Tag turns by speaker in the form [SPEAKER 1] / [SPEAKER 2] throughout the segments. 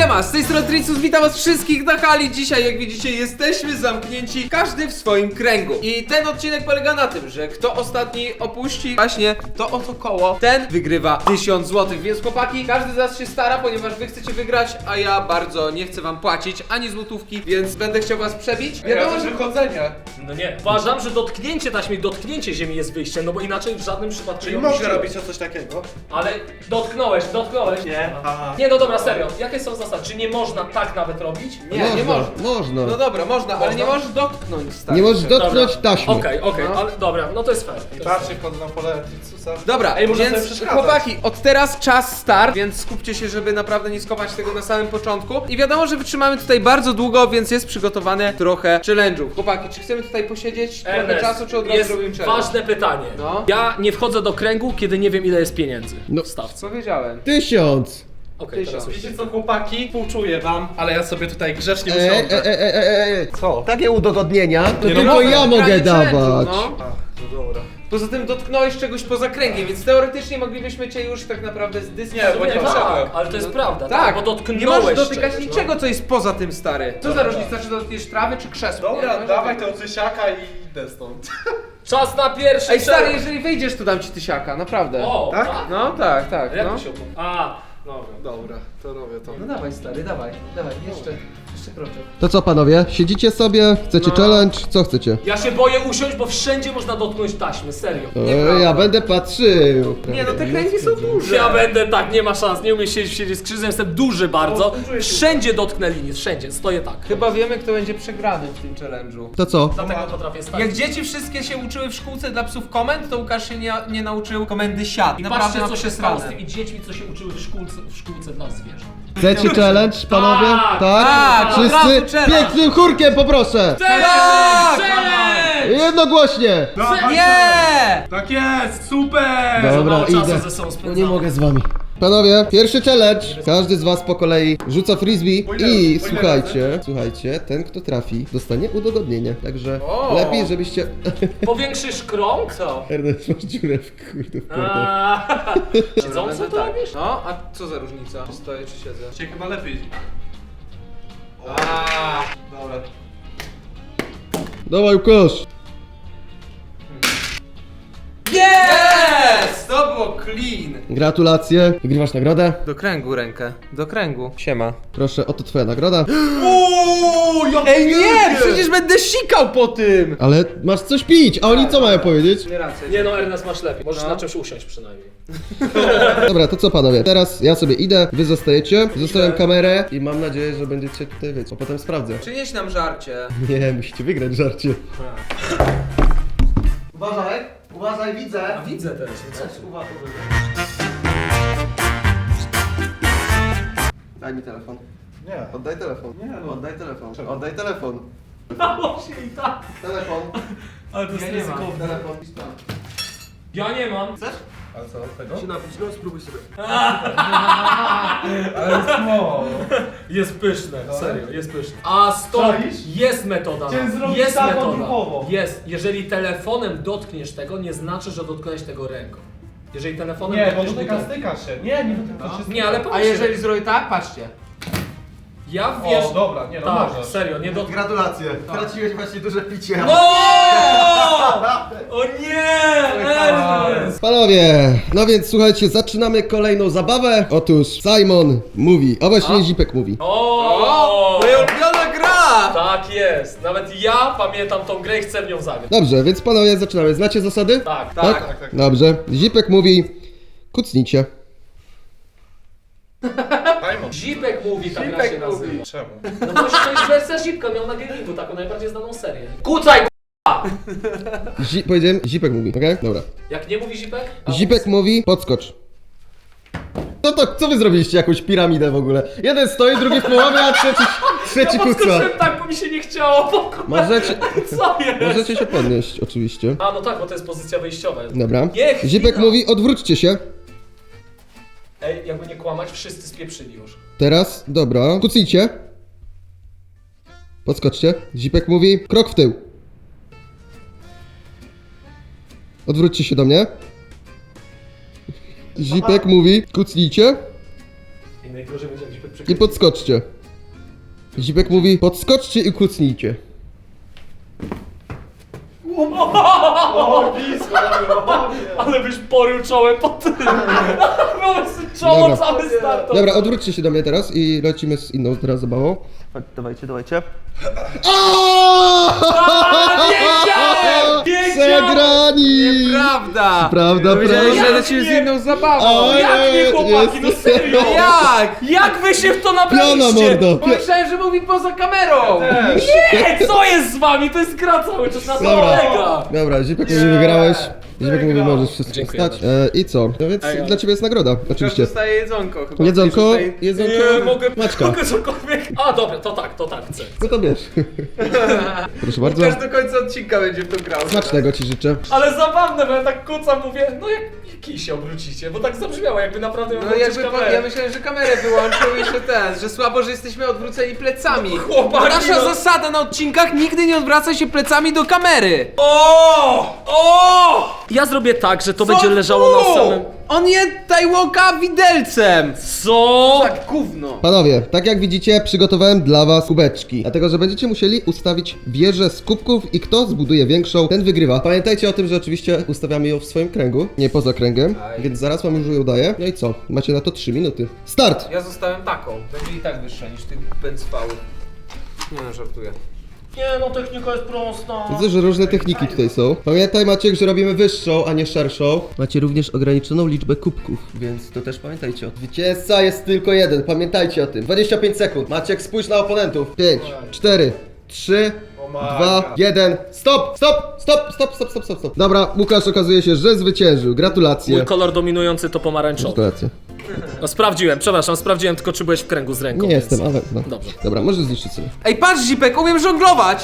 [SPEAKER 1] Siema, z tej strony Tricus, witam was wszystkich na hali. Dzisiaj, jak widzicie, jesteśmy zamknięci, każdy w swoim kręgu. I ten odcinek polega na tym, że kto ostatni opuści właśnie to oto koło, ten wygrywa 1000 zł. Więc chłopaki, każdy z was się stara, ponieważ wy chcecie wygrać, a ja bardzo nie chcę wam płacić ani złotówki, więc będę chciał was przebić.
[SPEAKER 2] Wiadomo, że wychodzenie.
[SPEAKER 3] No nie. Uważam, że dotknięcie taśmy, dotknięcie ziemi jest wyjściem, no bo inaczej w żadnym przypadku
[SPEAKER 2] Czyli
[SPEAKER 3] nie
[SPEAKER 2] można
[SPEAKER 3] opuściłeś.
[SPEAKER 2] robić o coś takiego?
[SPEAKER 3] Ale dotknąłeś.
[SPEAKER 2] Nie. Aha.
[SPEAKER 3] Nie, no dobra, serio. Jakie są zasady? Czy nie można tak nawet robić?
[SPEAKER 1] Nie można.
[SPEAKER 4] Można.
[SPEAKER 1] No dobra, można, ale nie możesz dotknąć, stary.
[SPEAKER 4] Nie możesz dotknąć
[SPEAKER 3] Dobra.
[SPEAKER 4] taśmy.
[SPEAKER 3] Okej,
[SPEAKER 1] No.
[SPEAKER 3] ale dobra, no to jest fair. To jest
[SPEAKER 2] Patrzcie, wchodzę na pole Tricusa.
[SPEAKER 1] Dobra,
[SPEAKER 2] Ej, można sobie
[SPEAKER 1] więc
[SPEAKER 2] przeszkadzać.
[SPEAKER 1] chłopaki, od teraz czas start, więc skupcie się, żeby naprawdę nie skopać tego na samym początku. I wiadomo, że wytrzymamy tutaj bardzo długo, więc jest przygotowane trochę challenge'ów. Chłopaki, czy chcemy tutaj posiedzieć trochę
[SPEAKER 3] Ernest,
[SPEAKER 1] czasu, czy od razu
[SPEAKER 3] jest
[SPEAKER 1] robimy challenge?
[SPEAKER 3] ważne pytanie.
[SPEAKER 1] No.
[SPEAKER 3] Ja nie wchodzę do kręgu, kiedy nie wiem ile jest pieniędzy
[SPEAKER 4] No.
[SPEAKER 3] w stawce.
[SPEAKER 1] Co wiedziałem?
[SPEAKER 4] 1000.
[SPEAKER 3] Okej, teraz już.
[SPEAKER 2] Wiecie co, chłopaki? Współczuję wam, ale ja sobie tutaj grzecznie
[SPEAKER 4] Eee,
[SPEAKER 2] usiądę. Co?
[SPEAKER 4] Takie udogodnienia to
[SPEAKER 2] Nie, no
[SPEAKER 4] tylko
[SPEAKER 2] mogę.
[SPEAKER 4] ja mogę
[SPEAKER 1] Granie challenge'u,
[SPEAKER 4] dawać.
[SPEAKER 1] no.
[SPEAKER 2] No dobra.
[SPEAKER 1] Poza tym dotknąłeś czegoś poza kręgiem, więc teoretycznie moglibyśmy cię już tak naprawdę zdyskwalifikować.
[SPEAKER 2] Nie, bo nie
[SPEAKER 3] Tak,
[SPEAKER 2] wszedłem.
[SPEAKER 3] ale to jest prawda,
[SPEAKER 1] Tak,
[SPEAKER 3] bo dotknąłeś
[SPEAKER 1] nie możesz dotykać
[SPEAKER 3] czegoś,
[SPEAKER 1] niczego, co jest poza tym, stary. Co za
[SPEAKER 2] Dobra.
[SPEAKER 1] różnica, czy dotkniesz trawy, czy krzesła?
[SPEAKER 2] Dobra,
[SPEAKER 1] Nie?
[SPEAKER 2] dawaj tego cysiaka i idę stąd.
[SPEAKER 3] Czas na pierwszy
[SPEAKER 1] Ej, stary,
[SPEAKER 3] challenge.
[SPEAKER 1] jeżeli wyjdziesz, to dam ci tysiaka, naprawdę.
[SPEAKER 3] O,
[SPEAKER 2] Tak?
[SPEAKER 1] No tak, tak,
[SPEAKER 3] Jak
[SPEAKER 1] no.
[SPEAKER 3] to się opłaca? A, dobra.
[SPEAKER 2] Dobra, to robię to.
[SPEAKER 1] No dawaj, stary, dawaj, jeszcze kroczek.
[SPEAKER 4] To co panowie? Siedzicie sobie? Chcecie
[SPEAKER 1] No.
[SPEAKER 4] challenge? Co chcecie?
[SPEAKER 3] Ja się boję usiąść, bo wszędzie można dotknąć taśmy, serio.
[SPEAKER 4] Ja będę patrzył.
[SPEAKER 1] Nie no, te kręgi są duże.
[SPEAKER 3] Ja będę tak, nie ma szans, nie umiem siedzieć z krzyżem, jestem duży bardzo. Wszędzie dotknę linię, wszędzie, stoję tak.
[SPEAKER 1] Chyba wiemy, kto będzie przegrany w tym challenge'u.
[SPEAKER 4] To co?
[SPEAKER 3] Dlatego potrafię stać.
[SPEAKER 1] Jak dzieci wszystkie się uczyły w szkółce dla psów komend, to Łukasz się nie nauczył komendy siad.
[SPEAKER 3] I
[SPEAKER 1] Naprawdę
[SPEAKER 3] patrzcie,
[SPEAKER 1] ma
[SPEAKER 3] co się stało z
[SPEAKER 1] przesrane.
[SPEAKER 3] tymi dziećmi, co się uczyły w szkółce dla zwierząt.
[SPEAKER 4] Chcecie challenge, panowie?
[SPEAKER 3] Tak,
[SPEAKER 1] tak, od
[SPEAKER 4] Wszyscy
[SPEAKER 1] razu challenge.
[SPEAKER 4] pięknym chórkiem poproszę! Jednogłośnie!
[SPEAKER 1] Nie!
[SPEAKER 2] Tak jest, super!
[SPEAKER 3] Za
[SPEAKER 4] Dobra,
[SPEAKER 3] mało czasu
[SPEAKER 4] idę.
[SPEAKER 3] ze sobą
[SPEAKER 4] No
[SPEAKER 3] spędzamy.
[SPEAKER 4] nie mogę z wami. Panowie, pierwszy challenge. Każdy z was po kolei rzuca frisbee i słuchajcie, ten kto trafi dostanie udogodnienie. Także
[SPEAKER 1] O.
[SPEAKER 4] lepiej, żebyście...
[SPEAKER 3] Powiększysz krąg? Co?
[SPEAKER 4] Ernest, masz dziurę w kurde w płocie.
[SPEAKER 3] Siedząco
[SPEAKER 1] Będę
[SPEAKER 3] to
[SPEAKER 1] tak.
[SPEAKER 3] robisz?
[SPEAKER 1] No, a co za różnica? Czy stoję, czy siedzę?
[SPEAKER 2] Cię chyba lepiej. Dobra.
[SPEAKER 4] Dawaj, Łukasz.
[SPEAKER 1] Yes! To było clean!
[SPEAKER 4] Gratulacje. Wygrywasz nagrodę.
[SPEAKER 1] Do kręgu rękę, do kręgu. Siema.
[SPEAKER 4] Proszę, oto twoja nagroda.
[SPEAKER 1] Ej nie! Przecież będę sikał po tym!
[SPEAKER 4] Ale masz coś pić, a oni co mają powiedzieć?
[SPEAKER 1] Nie rację.
[SPEAKER 3] Nie no, Ernest, masz lepiej. Możesz
[SPEAKER 1] No.
[SPEAKER 3] na czymś usiąść przynajmniej.
[SPEAKER 4] Dobra, to co panowie? Teraz ja sobie idę, wy zostajecie. Zostawiam kamerę i mam nadzieję, że będziecie tutaj wiecie. A potem sprawdzę.
[SPEAKER 1] Przynieś nam żarcie.
[SPEAKER 4] Nie, musicie wygrać żarcie. Uważaj, widzę.
[SPEAKER 3] Widzę teraz.
[SPEAKER 4] Daj mi telefon.
[SPEAKER 2] Nie.
[SPEAKER 4] Oddaj telefon.
[SPEAKER 2] Nie, no.
[SPEAKER 4] Oddaj telefon. Oddaj telefon.
[SPEAKER 3] Dało się i tak.
[SPEAKER 4] Telefon.
[SPEAKER 3] Ale to jest
[SPEAKER 1] Ja nie mam.
[SPEAKER 3] ryzykowne.
[SPEAKER 4] Telefon.
[SPEAKER 3] Ja nie mam.
[SPEAKER 2] A co, tego?
[SPEAKER 4] napić, no spróbuj sobie.
[SPEAKER 2] Ale jest mało.
[SPEAKER 3] Jest pyszne, serio, jest pyszne. A stop,
[SPEAKER 2] Czaisz?
[SPEAKER 3] jest metoda.
[SPEAKER 2] Chciałem zrobić
[SPEAKER 3] Jest
[SPEAKER 2] tak
[SPEAKER 3] metoda.
[SPEAKER 2] odruchowo.
[SPEAKER 3] Jest. Jeżeli telefonem dotkniesz tego, nie znaczy, że dotknąłeś tego ręką. Jeżeli telefonem
[SPEAKER 2] Nie, bo
[SPEAKER 3] dotkniesz
[SPEAKER 2] dotyka, styka się. Nie, nie dotyka się.
[SPEAKER 3] Nie, ale
[SPEAKER 1] A
[SPEAKER 3] pomyśl,
[SPEAKER 1] jeżeli zrobię tak, patrzcie.
[SPEAKER 3] ja wiesz...
[SPEAKER 2] O, dobra, nie no,
[SPEAKER 3] tak,
[SPEAKER 2] możesz.
[SPEAKER 3] serio, nie dotknę.
[SPEAKER 4] Gratulacje. Traciłeś właśnie duże picie.
[SPEAKER 3] O nie! Ernest!
[SPEAKER 4] Panowie, no więc słuchajcie, zaczynamy kolejną zabawę. Otóż Simon mówi, a właściwie Zipek mówi.
[SPEAKER 3] O!
[SPEAKER 1] Moja ulubiona gra!
[SPEAKER 3] Tak jest. Nawet ja pamiętam tą grę i chcę w nią zagrać.
[SPEAKER 4] Dobrze, więc panowie zaczynamy. Znacie zasady?
[SPEAKER 3] Tak.
[SPEAKER 1] Tak.
[SPEAKER 2] Tak.
[SPEAKER 4] Dobrze. Zipek mówi, kucnijcie.
[SPEAKER 2] Simon.
[SPEAKER 3] Zipek mówi, ta gra
[SPEAKER 1] Zipek
[SPEAKER 3] się nazywa.
[SPEAKER 2] Mówi. Czemu?
[SPEAKER 3] No bo to jest wersja Zipka, miał na gamingu taką najbardziej znaną serię. Kucaj,
[SPEAKER 4] Powiedziałem, Zipek mówi, okej? Dobra.
[SPEAKER 3] Jak nie mówi Zipek? A
[SPEAKER 4] Zipek mówi, podskocz. No to, co wy zrobiliście? Jakąś piramidę w ogóle? Jeden stoi, drugi w połowie, a trzeci
[SPEAKER 3] ja
[SPEAKER 4] kuca.
[SPEAKER 3] podskoczyłem tak, bo mi się nie chciało.
[SPEAKER 4] Możecie,
[SPEAKER 3] Co jest?
[SPEAKER 4] możecie się podnieść, oczywiście.
[SPEAKER 3] A no tak, bo to jest pozycja wyjściowa.
[SPEAKER 4] Dobra.
[SPEAKER 3] Nie, chwila.
[SPEAKER 4] Zipek mówi, odwróćcie się.
[SPEAKER 3] Ej, jakby nie kłamać, wszyscy spieprzyli już.
[SPEAKER 4] Teraz, dobra. Kucnijcie. Podskoczcie. Zipek mówi, krok w tył. Odwróćcie się do mnie. Zipek mówi, kucnijcie.
[SPEAKER 3] najgorzej będzie jak Zipek
[SPEAKER 4] I
[SPEAKER 3] przekręci.
[SPEAKER 4] podskoczcie. Zipek mówi, podskoczcie i kucnijcie.
[SPEAKER 3] Ale byś porył czołem po tym. Czoło
[SPEAKER 4] Dobra.
[SPEAKER 3] całe starto.
[SPEAKER 4] Dobra, odwróćcie się do mnie teraz i lecimy z inną teraz zabawą. Dawajcie.
[SPEAKER 3] Wiedziałem!
[SPEAKER 4] Przegrani!
[SPEAKER 1] Prawda!
[SPEAKER 4] Prawda,
[SPEAKER 1] Powiedziałeś,
[SPEAKER 4] prawda.
[SPEAKER 1] że lecimy z inną zabawą.
[SPEAKER 3] Jak nie, chłopaki, no serio?
[SPEAKER 1] Jak?
[SPEAKER 3] Jak wy się w to
[SPEAKER 4] Piona
[SPEAKER 3] nabraliście?
[SPEAKER 4] mordo!
[SPEAKER 1] Pomyślałem, że mówi poza kamerą.
[SPEAKER 3] Nie, co jest z wami? To jest gra cały czas na to
[SPEAKER 4] Dobra.
[SPEAKER 3] polega.
[SPEAKER 4] Dobra, Zipek mówi, wygrałeś. Zipek mówi, możesz wszystko
[SPEAKER 3] Dziękuję
[SPEAKER 4] wstać. I co? No więc dla ciebie jest nagroda, oczywiście.
[SPEAKER 1] Dostaje jedzonko chyba.
[SPEAKER 4] Jedzonko,
[SPEAKER 1] Tutaj-
[SPEAKER 4] jedzonko,
[SPEAKER 3] Nie, mogę
[SPEAKER 4] Maćka.
[SPEAKER 3] cokolwiek. A dobra, to tak chcę.
[SPEAKER 4] No to bierz. Proszę bardzo.
[SPEAKER 1] Łukasz do końca odcinka będzie w to grał.
[SPEAKER 4] Smacznego ci życzę.
[SPEAKER 3] Ale zabawne, bo ja tak kucam, mówię, no jak kij się obrócicie, bo tak zabrzmiało, jakby naprawdę miał
[SPEAKER 1] No
[SPEAKER 3] włączyć
[SPEAKER 1] jakby
[SPEAKER 3] kamerę.
[SPEAKER 1] ja myślałem, że kamerę wyłączył i że że słabo, że jesteśmy odwróceni plecami.
[SPEAKER 3] Chłopaki,
[SPEAKER 1] Nasza
[SPEAKER 3] no.
[SPEAKER 1] zasada na odcinkach, nigdy nie odwraca się plecami do kamery.
[SPEAKER 3] O! Ja zrobię tak, że to będzie leżało na samym...
[SPEAKER 1] On je Tajłoka widelcem.
[SPEAKER 3] Co?
[SPEAKER 1] Tak, gówno.
[SPEAKER 4] Panowie, tak jak widzicie, przygotowałem dla was kubeczki. Dlatego, że będziecie musieli ustawić wieżę z kubków i kto zbuduje większą, ten wygrywa. Pamiętajcie o tym, że oczywiście ustawiamy ją w swoim kręgu, nie poza kręgiem, więc zaraz wam już ją daję. No i co? Macie na to 3 minuty. Start!
[SPEAKER 1] Ja zostałem taką. Będzie i tak wyższa niż tych bęcwałów. Nie no, żartuję.
[SPEAKER 3] Nie no, technika jest prosta.
[SPEAKER 4] Widzę, że różne techniki tutaj są. Pamiętaj, Maciek, że robimy wyższą, a nie szerszą. Macie również ograniczoną liczbę kubków, więc to też pamiętajcie. Zwycięzca jest tylko jeden, pamiętajcie o tym. 25 sekund. Maciek, spójrz na oponentów. 5, 4, 3, 2, 1. Stop! Dobra, Łukasz okazuje się, że zwyciężył. Gratulacje.
[SPEAKER 3] Mój kolor dominujący to pomarańczowy.
[SPEAKER 4] Gratulacje.
[SPEAKER 3] No sprawdziłem tylko czy byłeś w kręgu z ręką.
[SPEAKER 4] Nie
[SPEAKER 3] więc...
[SPEAKER 4] jestem, ale no.
[SPEAKER 3] Dobrze.
[SPEAKER 4] Dobra, możesz zniszczyć sobie.
[SPEAKER 1] Ej, patrz Zipek, umiem żonglować.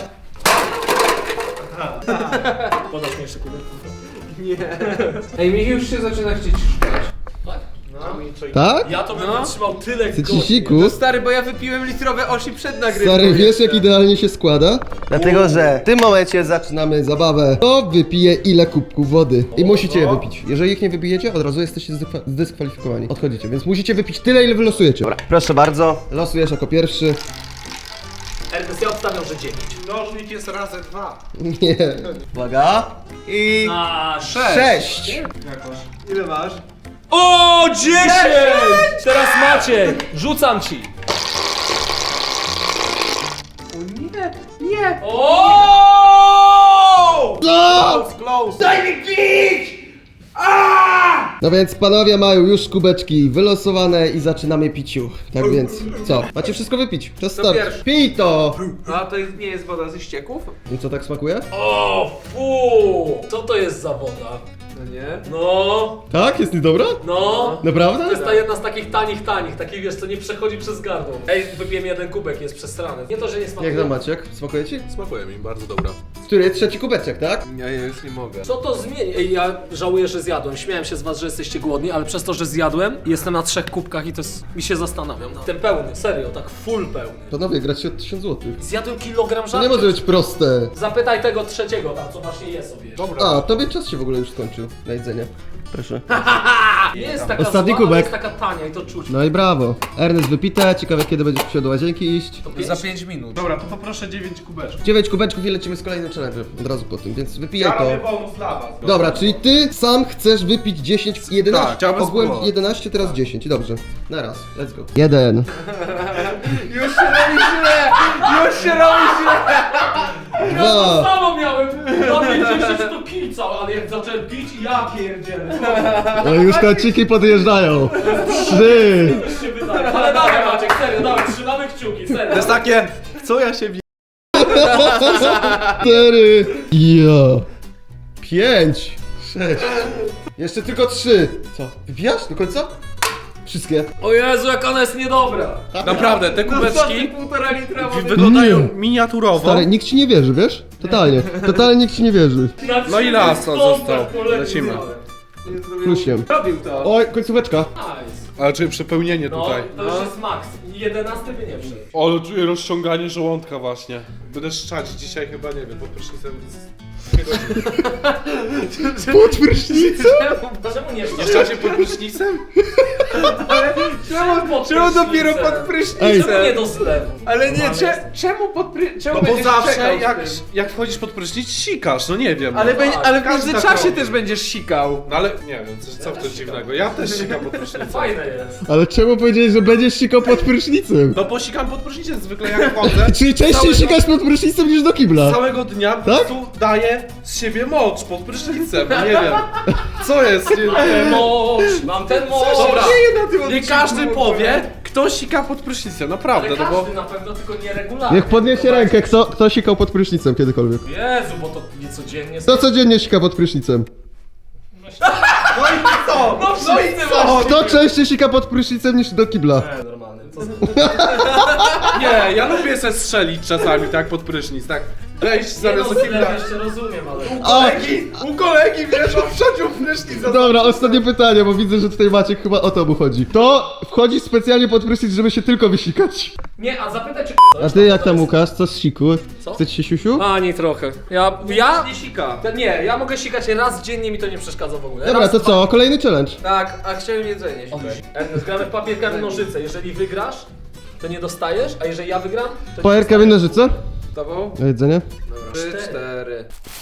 [SPEAKER 3] Podasz mi jeszcze kubek?
[SPEAKER 1] Ej, mi już się zaczyna chcieć szukać.
[SPEAKER 3] Tak?
[SPEAKER 4] Tak?
[SPEAKER 3] Ja to bym wytrzymał tyle
[SPEAKER 4] Ty
[SPEAKER 3] godzin.
[SPEAKER 4] cisiku?
[SPEAKER 1] No stary, bo ja wypiłem litrowe osi przed nagrywką.
[SPEAKER 4] Stary, wiesz
[SPEAKER 1] jeszcze.
[SPEAKER 4] jak idealnie się składa? Dlatego, że w tym momencie zaczynamy zabawę. Kto wypije ile kubków wody? I musicie je wypić. Jeżeli ich nie wypijecie, od razu jesteście zdyskwalifikowani. Odchodzicie, więc musicie wypić tyle, ile wylosujecie. Dobra, proszę bardzo. Losujesz jako pierwszy.
[SPEAKER 3] Ernest, ja obstawiam, że 9.
[SPEAKER 2] Mnożnik jest razy 2.
[SPEAKER 4] Nie. Uwaga. I...
[SPEAKER 3] A,
[SPEAKER 4] 6.
[SPEAKER 1] Ile masz?
[SPEAKER 3] O, 10! Teraz Maciek, rzucam ci.
[SPEAKER 1] O nie, nie.
[SPEAKER 3] O!
[SPEAKER 2] Close.
[SPEAKER 4] No więc panowie mają już kubeczki wylosowane i zaczynamy piciu. Tak więc, co? Macie wszystko wypić. Czas start.
[SPEAKER 1] pierwszy.
[SPEAKER 4] Pij to!
[SPEAKER 1] A to nie jest woda ze ścieków?
[SPEAKER 4] I co tak smakuje?
[SPEAKER 3] O, fu! Co to jest za woda?
[SPEAKER 1] No nie.
[SPEAKER 3] No,
[SPEAKER 4] Tak? Jest niedobra?
[SPEAKER 3] no.
[SPEAKER 4] Naprawdę?
[SPEAKER 3] To jest ta jedna z takich tanich, takich wiesz, co nie przechodzi przez gardło. Ej, wypiłem jeden kubek, jest przesrany. Nie to, że nie smakuje.
[SPEAKER 4] Jak tam Maciek? Smakuje ci?
[SPEAKER 2] Smakuje mi, bardzo dobra.
[SPEAKER 4] Który? Trzeci kubeczek, tak?
[SPEAKER 1] Ja już nie mogę.
[SPEAKER 3] Co to zmieni? Ej, ja żałuję, że zjadłem. Śmiałem się z was, że jesteście głodni, ale przez to, że zjadłem, jestem na 3 kubkach i to jest... mi się zastanawiam. Ten pełny, serio, tak full pełny.
[SPEAKER 4] Panowie, gracie od 1000 zł.
[SPEAKER 3] Zjadłem kilogram
[SPEAKER 4] To
[SPEAKER 3] żarcia.
[SPEAKER 4] nie może być proste.
[SPEAKER 3] Zapytaj tego trzeciego tam, co właśnie je sobie.
[SPEAKER 4] A, tobie czas się w ogóle już skończył na jedzenie. Proszę.
[SPEAKER 3] Nie jest taka
[SPEAKER 4] Ostatni
[SPEAKER 3] zła, ale
[SPEAKER 4] kubek.
[SPEAKER 3] jest taka tania i to czuć.
[SPEAKER 4] No i brawo. Ernest wypite, ciekawe kiedy będziesz musiał do łazienki iść.
[SPEAKER 1] Za 5 minut.
[SPEAKER 2] Dobra, to poproszę 9 kubeczków.
[SPEAKER 4] 9 kubeczków i lecimy z kolejnym challenge od razu po tym, więc wypijaj
[SPEAKER 2] Ja robię
[SPEAKER 4] to.
[SPEAKER 2] bonus dla was.
[SPEAKER 4] Dobra, czyli ty sam chcesz wypić 10, 11,
[SPEAKER 2] Tak, chciałbym
[SPEAKER 4] ogółem
[SPEAKER 2] spróbować.
[SPEAKER 4] 11, teraz 10, dobrze. Na raz, let's go. 1.
[SPEAKER 1] Już się robi źle! Już się robi źle!
[SPEAKER 3] Ja to
[SPEAKER 4] 2.
[SPEAKER 3] samo miałem! Na 50 to kicał, ale jak zacząłem pić, ja pierdzielę.
[SPEAKER 4] No i już kociki podjeżdżają. 3.
[SPEAKER 3] Już się wydaje. Ale dawaj Maciek, serio, dawaj, trzymamy kciuki, serio.
[SPEAKER 2] To jest takie, co ja się
[SPEAKER 4] 4. Ja. 5. 6. Jeszcze tylko 3. Co? Wypijasz do końca? Wszystkie.
[SPEAKER 3] O Jezu, jak ona jest niedobra.
[SPEAKER 2] Naprawdę, te kubeczki
[SPEAKER 1] 1,5 litra wody.
[SPEAKER 2] wyglądają
[SPEAKER 4] Nie.
[SPEAKER 2] miniaturowo.
[SPEAKER 4] Stary, nikt ci nie wierzy, wiesz? Totalnie. Totalnie nikt ci nie wierzy.
[SPEAKER 2] No i las został. Lecimy.
[SPEAKER 4] Plusiem.
[SPEAKER 1] Robił to.
[SPEAKER 4] Oj, końcóweczka.
[SPEAKER 3] Nice.
[SPEAKER 2] Ale czy przepełnienie
[SPEAKER 3] No,
[SPEAKER 2] tutaj?
[SPEAKER 3] to już jest max. I 11 by nie wszedł.
[SPEAKER 2] Ale czuję rozciąganie żołądka właśnie. Będę szczać dzisiaj chyba, nie wiem, pod prysznicem z...
[SPEAKER 4] Pod prysznicem?
[SPEAKER 3] Czemu nie
[SPEAKER 2] Nie
[SPEAKER 3] wszedł?
[SPEAKER 2] szczacie pod prysznicem?
[SPEAKER 1] Czemu dopiero pod
[SPEAKER 4] Ej.
[SPEAKER 1] prysznicem?
[SPEAKER 3] Czemu nie do zlewu?
[SPEAKER 1] Ale nie,
[SPEAKER 3] Normalnie jest.
[SPEAKER 1] czemu pod prysznicem?
[SPEAKER 2] No bo zawsze jak wchodzisz pod prysznic, sikasz, no nie wiem.
[SPEAKER 1] Ale,
[SPEAKER 2] no.
[SPEAKER 1] ale w
[SPEAKER 2] każdy tak
[SPEAKER 1] międzyczasie
[SPEAKER 2] robi.
[SPEAKER 1] też będziesz sikał.
[SPEAKER 2] No ale nie wiem, co w tym dziwnego. Ja też sikam pod prysznicem.
[SPEAKER 3] Fajne jest.
[SPEAKER 4] Ale czemu powiedziałeś, że będziesz sikał pod prysznicem?
[SPEAKER 2] No bo sikam pod prysznicem zwykle jak wchodzę.
[SPEAKER 4] Czyli częściej sikasz pod prysznicem niż do kibla?
[SPEAKER 2] Całego dnia po
[SPEAKER 4] Tak?
[SPEAKER 2] prostu daję z siebie mocz pod prysznicem, nie wiem. Co jest?
[SPEAKER 3] Mam ten moc.
[SPEAKER 2] Dobra,
[SPEAKER 1] na tym
[SPEAKER 2] nie każdy powie, kto sika pod prysznicem, naprawdę,
[SPEAKER 3] Ale
[SPEAKER 2] no bo...
[SPEAKER 3] każdy na pewno, tylko nieregularnie.
[SPEAKER 4] Niech podniesie rękę, kto sikał pod prysznicem kiedykolwiek.
[SPEAKER 3] Jezu, bo to nie codziennie.
[SPEAKER 4] Kto codziennie sika pod prysznicem?
[SPEAKER 2] No i co?
[SPEAKER 3] No wszyscy właśnie.
[SPEAKER 4] Kto częściej sika pod prysznicem niż do kibla?
[SPEAKER 3] Normalny.
[SPEAKER 2] Nie, ja lubię se strzelić czasami tak pod prysznic, tak. Wejść zamiast do kibla.
[SPEAKER 3] jeszcze rozumiem, ale...
[SPEAKER 2] U kolegi, wiesz, on wszedł w prysznic.
[SPEAKER 4] Dobra, ostatnie pytanie, bo widzę, że tutaj Maciek chyba o to mu chodzi. To wchodzi specjalnie pod prysznic, żeby się tylko wysikać.
[SPEAKER 3] Nie, a zapytaj czy...
[SPEAKER 4] A ty jak tam, Łukasz? Co z siku?
[SPEAKER 3] Co?
[SPEAKER 4] Chce ci się siusiu?
[SPEAKER 3] Ani trochę. Ja...
[SPEAKER 2] Nie sika.
[SPEAKER 3] Nie, ja mogę sikać raz dziennie, mi to nie przeszkadza w ogóle.
[SPEAKER 4] Dobra,
[SPEAKER 3] raz,
[SPEAKER 4] to co? Kolejny challenge.
[SPEAKER 1] Tak, a chciałem jedzenie.
[SPEAKER 3] Ernest, gramy w papier, kamień, nożyce. Jeżeli wygrasz, to nie dostajesz, a jeżeli ja wygram, to
[SPEAKER 4] Papier, kamień, nożyce?
[SPEAKER 1] Tobą?
[SPEAKER 4] Na jedzenie?
[SPEAKER 1] Dobra, 4.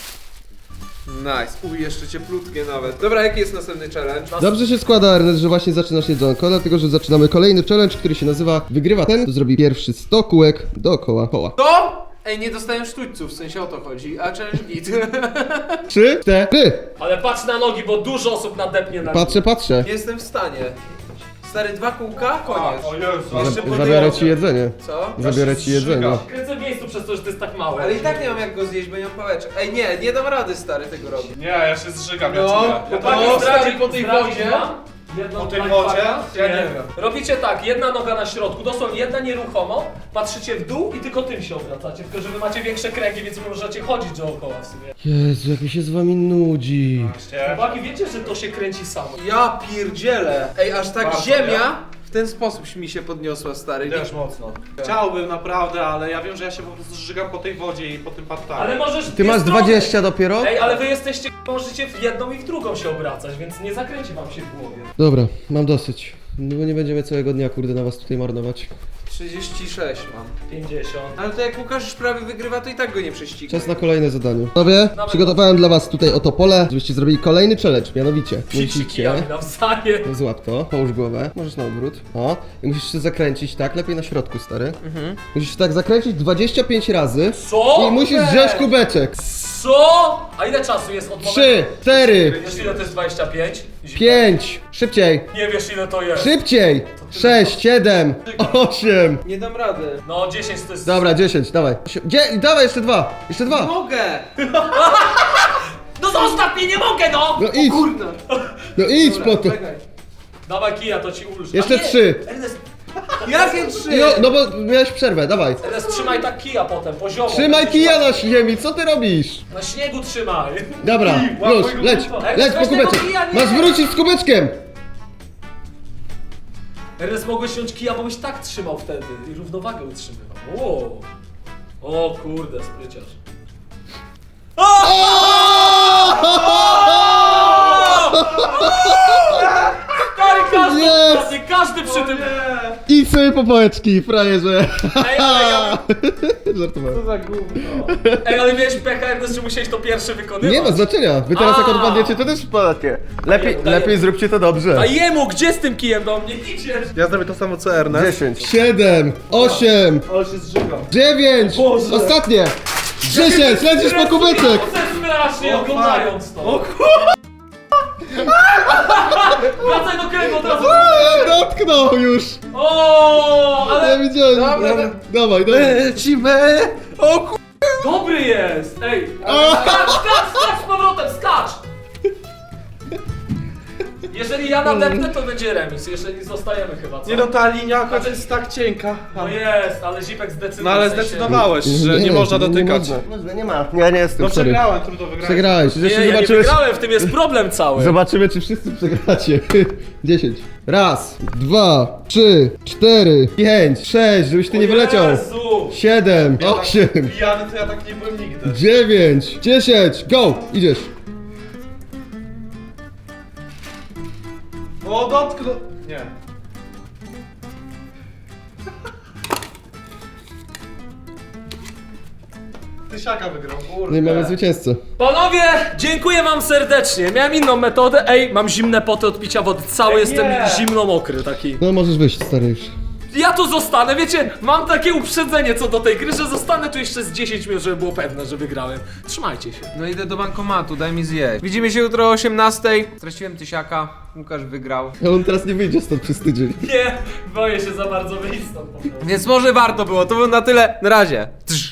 [SPEAKER 1] Nice. Uj, jeszcze cieplutkie nawet. Dobra, jaki jest następny challenge?
[SPEAKER 4] Dobrze się składa, Ernest, że właśnie zaczynasz jedzonko, dlatego że zaczynamy kolejny challenge, który się nazywa Wygrywa ten, kto zrobi pierwszy 100 kółek dookoła koła.
[SPEAKER 1] To? Ej, nie dostałem sztućców, w sensie o to chodzi, a challenge git.
[SPEAKER 4] 3, 4.
[SPEAKER 3] Ale patrz na nogi, bo dużo osób nadepnie na
[SPEAKER 4] Patrzę.
[SPEAKER 1] Nie jestem w stanie. Stary, 2 kółka? Koniec.
[SPEAKER 2] O Jezu.
[SPEAKER 1] Jeszcze po
[SPEAKER 4] Zabiorę
[SPEAKER 1] tej
[SPEAKER 4] ci jedzenie.
[SPEAKER 1] Co?
[SPEAKER 4] Zabiorę ci jedzenie.
[SPEAKER 3] Kręcę w miejscu przez to, że to jest tak małe.
[SPEAKER 1] Ale i tak nie mam jak go zjeść, bo nie mam pałeczek. Ej, nie dam rady, stary, tego robić.
[SPEAKER 2] Nie, ja się zżygam, ja
[SPEAKER 1] No,
[SPEAKER 2] czuję.
[SPEAKER 1] no, stary, po tej
[SPEAKER 3] Zdradzić
[SPEAKER 1] wodzie.
[SPEAKER 3] wam jedną
[SPEAKER 2] Po tej
[SPEAKER 3] lifehacka?
[SPEAKER 2] wodzie?
[SPEAKER 1] Ja nie wiem.
[SPEAKER 3] Robicie tak, jedna noga na środku, dosłownie jedna nieruchomo, patrzycie w dół i tylko tym się obracacie, tylko że wy macie większe kręgi, więc wy możecie chodzić dookoła w sumie.
[SPEAKER 4] Jezu, jak mi się z wami nudzi.
[SPEAKER 3] Chłopaki, wiecie, że to się kręci samo.
[SPEAKER 1] Ja pierdzielę. Ej, aż tak
[SPEAKER 2] Bardzo,
[SPEAKER 1] ziemia w ten sposób mi się podniosła, stary.
[SPEAKER 2] Też mocno. Chciałbym naprawdę, ale ja wiem, że ja się po prostu zżygam po tej wodzie i po tym pattayu.
[SPEAKER 3] Ale możesz
[SPEAKER 4] Ty masz 20 dopiero?
[SPEAKER 3] Ej, ale wy jesteście, możecie w jedną i w drugą się obracać, więc nie zakręci wam się w głowie.
[SPEAKER 4] Dobra, mam dosyć. No bo nie będziemy całego dnia, kurde, na was tutaj marnować.
[SPEAKER 1] 36 mam.
[SPEAKER 3] 50.
[SPEAKER 1] Ale to jak Łukasz już prawie wygrywa, to i tak go nie prześcignie.
[SPEAKER 4] Czas na kolejne zadanie. Panowie, przygotowałem dla was tutaj oto pole, żebyście zrobili kolejny challenge, mianowicie musicie...
[SPEAKER 3] Kijami nawzajem.
[SPEAKER 4] Złap to, połóż głowę, możesz na odwrót. O, i musisz się zakręcić, tak? Lepiej na środku, stary. Musisz się tak zakręcić 25 razy.
[SPEAKER 3] Co?
[SPEAKER 4] I musisz wziąć kubeczek.
[SPEAKER 3] Co? A ile czasu jest od momentu?
[SPEAKER 4] 3, 4,
[SPEAKER 3] Wiesz ile to jest 25?
[SPEAKER 4] 5, szybciej,
[SPEAKER 3] Nie wiesz ile to jest.
[SPEAKER 4] szybciej, 6, 7, 8.
[SPEAKER 1] Nie dam rady.
[SPEAKER 3] No 10 to jest...
[SPEAKER 4] Dobra, 10, dawaj. Dawaj, jeszcze 2, jeszcze
[SPEAKER 1] Nie
[SPEAKER 4] 2.
[SPEAKER 1] mogę!
[SPEAKER 3] No zostaw mnie, nie mogę no!
[SPEAKER 4] No idź,
[SPEAKER 1] Kurna.
[SPEAKER 4] no idź po to.
[SPEAKER 1] Czekaj.
[SPEAKER 3] Dawaj kija, to ci ulży.
[SPEAKER 4] Jeszcze
[SPEAKER 3] A nie,
[SPEAKER 4] 3.
[SPEAKER 3] Ernest,
[SPEAKER 1] Jakie 3?
[SPEAKER 4] No bo miałeś przerwę, dawaj.
[SPEAKER 3] Ernest, trzymaj tak kija potem, poziomo.
[SPEAKER 4] Trzymaj kija na ziemi, co ty robisz?
[SPEAKER 3] Na śniegu trzymaj.
[SPEAKER 4] Dobra, już, leć po kubeczek. Masz wrócić z kubeczkiem.
[SPEAKER 3] Ernest, mogłeś wziąć kija, bo byś tak trzymał wtedy i równowagę utrzymywał. Wow. O kurde, spryciarz. Stary, każdy,
[SPEAKER 4] Jest!
[SPEAKER 3] każdy przy tym...
[SPEAKER 4] Idź sobie po pałeczki, frajerze.
[SPEAKER 3] Ej, ale ja...
[SPEAKER 4] Żartowałem.
[SPEAKER 1] Za gówno.
[SPEAKER 3] Ej, ale miałeś pecha, Ernest, że musiałeś to pierwszy wykonywać.
[SPEAKER 4] Nie ma znaczenia. Wy teraz jak
[SPEAKER 3] A.
[SPEAKER 4] odpadniecie, to też wpadacie.
[SPEAKER 3] Daję.
[SPEAKER 4] Lepiej zróbcie to dobrze.
[SPEAKER 3] A jemu, gdzie z tym kijem do mnie idziesz?
[SPEAKER 2] Ja zrobię to samo co Ernest.
[SPEAKER 4] 10, 7, 8,
[SPEAKER 2] Ale się zżygam.
[SPEAKER 4] 9,
[SPEAKER 3] Boże.
[SPEAKER 4] ostatnie. 10, lecisz po kubeczek.
[SPEAKER 3] Strasznie oglądając to. Wracaj do kręgu od razu.
[SPEAKER 4] Dotknął już.
[SPEAKER 3] O,
[SPEAKER 4] Ja
[SPEAKER 3] ale
[SPEAKER 4] widziałem.
[SPEAKER 1] Dobra,
[SPEAKER 4] Dawaj.
[SPEAKER 1] Lecimy! O ku...
[SPEAKER 3] dobry jest. Ej, skacz z powrotem, skacz. Jeżeli ja nadepnę, to będzie remis, jeżeli zostajemy chyba, co?
[SPEAKER 2] Nie no, ta linia akurat jest tak cienka.
[SPEAKER 3] No jest, ale Zipek zdecydował.
[SPEAKER 2] No ale
[SPEAKER 3] w sensie-
[SPEAKER 2] zdecydowałeś, że nie można dotykać.
[SPEAKER 4] Można, nie ma. Ja nie jestem,
[SPEAKER 2] No
[SPEAKER 4] sorry.
[SPEAKER 2] przegrałem, trudno wygrać.
[SPEAKER 4] Przegrałeś.
[SPEAKER 3] Nie,
[SPEAKER 4] Zresztą
[SPEAKER 3] ja nie
[SPEAKER 4] zobaczymy,
[SPEAKER 3] wygrałem, w tym jest problem cały.
[SPEAKER 4] zobaczymy, czy wszyscy przegracie. 10. Raz, 2, 3, 4, 5, 6, żebyś ty nie wyleciał.
[SPEAKER 3] Jezu!
[SPEAKER 4] 7, 8,
[SPEAKER 2] Pijany to ja tak nie byłem nigdy.
[SPEAKER 4] 9, 10, go! Idziesz.
[SPEAKER 2] O, dotknął. Nie. Tysiaka wygrał, kurde.
[SPEAKER 4] No i mamy zwycięzcę.
[SPEAKER 3] Panowie, dziękuję wam serdecznie. Miałem inną metodę. Ej, mam zimne poty od picia wody. Cały
[SPEAKER 2] Ej,
[SPEAKER 3] jestem
[SPEAKER 2] nie.
[SPEAKER 3] zimno-mokry taki.
[SPEAKER 4] No możesz wyjść, stary już.
[SPEAKER 3] Ja tu zostanę, wiecie, mam takie uprzedzenie co do tej gry, że zostanę tu jeszcze z 10 minut, żeby było pewne, że wygrałem. Trzymajcie się.
[SPEAKER 1] No idę do bankomatu, daj mi zjeść. Widzimy się jutro o 18. Straciłem tysiaka, Łukasz wygrał.
[SPEAKER 4] A on teraz nie wyjdzie stąd przez tydzień.
[SPEAKER 3] Nie, boję się za bardzo wyjść stąd po prostu.
[SPEAKER 1] Więc może warto było, to było na tyle. Na razie. Trz.